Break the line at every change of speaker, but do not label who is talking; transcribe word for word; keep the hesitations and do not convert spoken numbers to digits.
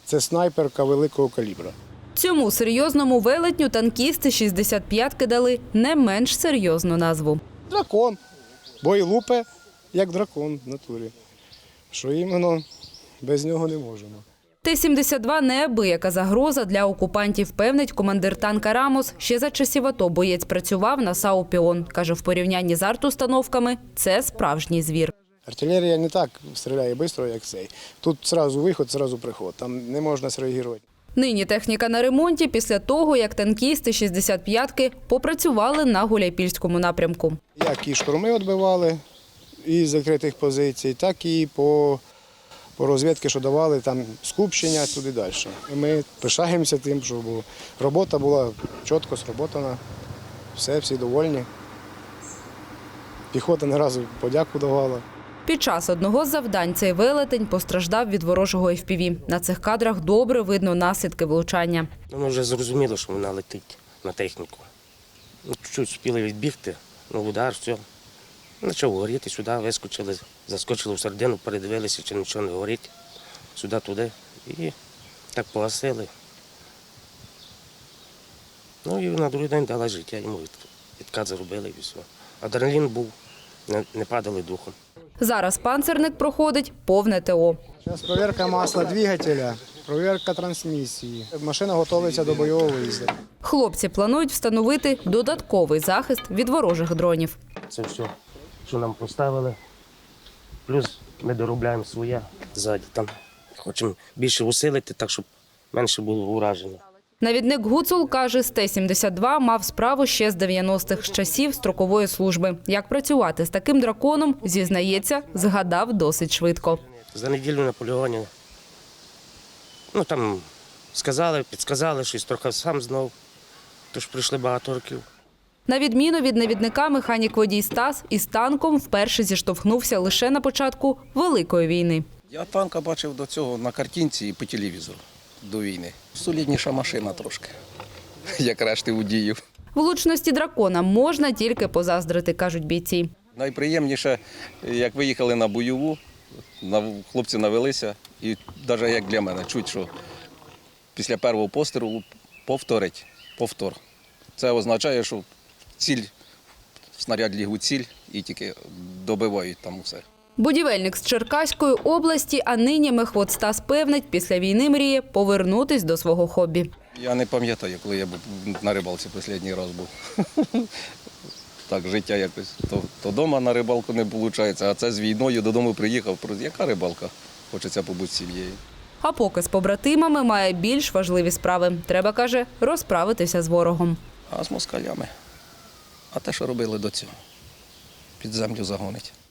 Це снайперка великого калібра.
Цьому серйозному велетню танкісти шістдесят п'ятки дали не менш серйозну назву.
Дракон. Бо і лупе, як дракон в натурі. Що іменно без нього не можемо.
Т сімдесят два – неабияка загроза для окупантів, певнить командир танка «Рамос». Ще за часів АТО боєць працював на САУ «Піон». Каже, в порівнянні з артустановками – це справжній звір.
Артилерія не так стріляє швидко, як цей. Тут одразу виход, одразу приход. Там не можна зреагувати.
Нині техніка на ремонті після того, як танкісти шістдесят п'ятки попрацювали на Гуляйпільському напрямку.
Як і штурми відбивали із закритих позицій, так і по, по розвідки, що давали, там скупчення туди далі. Ми пишаємося тим, що робота була чітко зроботана, все, всі довольні. Піхота не разу подяку давала.
Під час одного з завдань цей велетень постраждав від ворожого еф пі ві. На цих кадрах добре видно наслідки влучання.
Ми вже зрозуміло, що вона летить на техніку. Чуть спіли відбігти, ну удар, все. Почав горіти, сюди вискочили, заскочили в середину, передивилися, чи нічого не горить. Сюди-туди. І так погасили. Ну і на другий день дала життя, йому відкат зробили і все. Адреналін був, не, не падали духом.
Зараз панцерник проходить повне те о.
Зараз перевірка масла двигателя, перевірка трансмісії. Машина готується до бойового виїзду.
Хлопці планують встановити додатковий захист від ворожих дронів.
Це все, що нам поставили. Плюс ми доробляємо своє ззаді. Там хочемо більше усилити, так щоб менше було ураження.
Навідник Гуцул каже, з Т сімдесят два мав справу ще з дев'яностих, з часів строкової служби. Як працювати з таким драконом, зізнається, згадав досить швидко.
За неділю на полігоні, ну там сказали, підсказали, щось трохи сам знав, тож прийшли багато років.
На відміну від навідника, механік-водій Стас із танком вперше зіштовхнувся лише на початку Великої війни.
Я танка бачив до цього на картинці і по телевізору до війни. Солідніша машина трошки, як решти водіїв.
Влучності дракона можна тільки позаздрити, кажуть бійці.
Найприємніше, як виїхали на бойову, хлопці навелися, і навіть як для мене, чуть, що після першого пострілу повторить, повтор. Це означає, що ціль, снаряд ліг у ціль і тільки добивають там усе.
Будівельник з Черкаської області, а нині мехвод Стас певнить, після війни мріє повернутись до свого хобі.
Я не пам'ятаю, коли я був на рибалці останній раз був. Так, життя якось. То, то дома на рибалку не виходить, а це з війною додому приїхав. Яка рибалка? Хочеться побути з сім'єю.
А поки з побратимами має більш важливі справи. Треба, каже, розправитися з ворогом.
А з москалями. А те, що робили до цього? Під землю загонить.